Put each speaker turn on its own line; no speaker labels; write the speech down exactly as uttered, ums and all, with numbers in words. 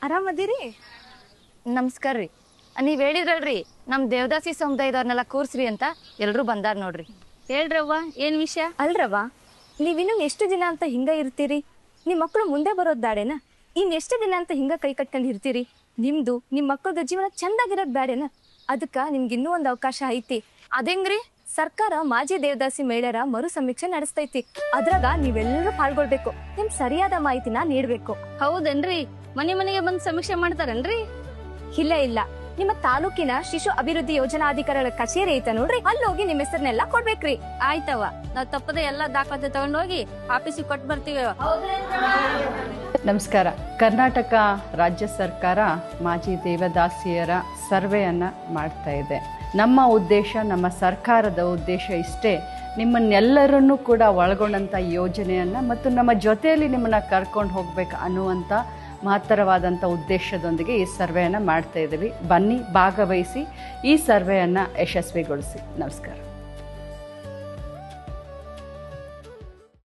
ಆರಾಮದಿರಿ?
ನಮಸ್ಕಾರ ರೀ. ನೀವ್ ಹೇಳಿದ್ರಲ್ರಿ ನಮ್ ದೇವದಾಸಿ ಸಮುದಾಯದವ್ರನ್ನೆಲ್ಲ ಕೂರ್ಸ್ರಿ ಅಂತ ಎಲ್ರು ಬಂದಾರ ನೋಡ್ರಿ.
ಹೇಳ್ರವ್ವ, ಏನ್ ವಿಷಯ?
ಅಲ್ರವ್ವ, ನೀವಿನ್ನು ಎಷ್ಟು ದಿನ ಅಂತ ಹಿಂಗ ಇರ್ತೀರಿ? ನಿಮ್ಮ ಮಕ್ಕಳು ಮುಂದೆ ಬರೋದ್ ಬ್ಯಾಡೇನ? ಇನ್ ಎಷ್ಟು ದಿನ ಅಂತ ಹಿಂಗ ಕೈ ಕಟ್ಕೊಂಡು ಇರ್ತೀರಿ? ನಿಮ್ದು ನಿಮ್ ಮಕ್ಕಳದ ಜೀವನ ಚಂದಾಗಿರೋದ್ ಬ್ಯಾಡೇನ? ಅದಕ್ಕ ನಿಮ್ಗೆ ಇನ್ನೂ ಒಂದು ಅವಕಾಶ ಐತಿ.
ಅದೇಂಗ್ರಿ?
ಸರ್ಕಾರ ಮಾಜಿ ದೇವದಾಸಿ ಮಹಿಳೆಯರ ಮರು ಸಮೀಕ್ಷೆ ನಡೆಸ್ತೈತಿ. ಅದ್ರಾಗ ನೀವೆಲ್ಲರೂ ಪಾಲ್ಗೊಳ್ಬೇಕು. ನಿಮ್ ಸರಿಯಾದ ಮಾಹಿತಿನ ನೀಡ್ಬೇಕು.
ಹೌದೇನ್ರಿ? ಮನೆ ಮನೆಗೆ ಬಂದ್ ಸಮೀಕ್ಷೆ ಮಾಡ್ತಾರನ್ರಿ?
ಇಲ್ಲ ಇಲ್ಲ, ನಿಮ್ಮ ತಾಲೂಕಿನ ಶಿಶು ಅಭಿವೃದ್ಧಿ ಯೋಜನಾಧಿಕಾರಿಗಳ ಕಚೇರಿ ಐತ ನೋಡ್ರಿ, ಅಲ್ಲಿ ಹೋಗಿ ನಿಮ್ಮ ಹೆಸರನ್ನೆಲ್ಲ ಕೊಡ್ಬೇಕ್ರಿ.
ಆಯ್ತವ್ವ, ನಾವ್ ತಪ್ಪದೆ ಎಲ್ಲಾ ದಾಖಲಾತಿ ತಗೊಂಡ್ ಹೋಗಿ ಆಫೀಸಿಗೆ ಕೊಟ್ಟು ಬರ್ತೀವಿ.
ನಮಸ್ಕಾರ. ಕರ್ನಾಟಕ ರಾಜ್ಯ ಸರ್ಕಾರ ಮಾಜಿ ದೇವದಾಸಿಯರ ಸರ್ವೆಯನ್ನು ಮಾಡ್ತಾ ಇದೆ. ನಮ್ಮ ಉದ್ದೇಶ, ನಮ್ಮ ಸರ್ಕಾರದ ಉದ್ದೇಶ ಇಷ್ಟೇ, ನಿಮ್ಮನ್ನೆಲ್ಲರನ್ನೂ ಕೂಡ ಒಳಗೊಂಡಂಥ ಯೋಜನೆಯನ್ನು ಮತ್ತು ನಮ್ಮ ಜೊತೆಯಲ್ಲಿ ನಿಮ್ಮನ್ನು ಕರ್ಕೊಂಡು ಹೋಗ್ಬೇಕು ಅನ್ನುವಂಥ ಮಹತ್ತರವಾದಂಥ ಉದ್ದೇಶದೊಂದಿಗೆ ಈ ಸರ್ವೆಯನ್ನು ಮಾಡ್ತಾ ಇದ್ದೀವಿ. ಬನ್ನಿ, ಭಾಗವಹಿಸಿ, ಈ ಸರ್ವೆಯನ್ನು ಯಶಸ್ವಿಗೊಳಿಸಿ. ನಮಸ್ಕಾರ.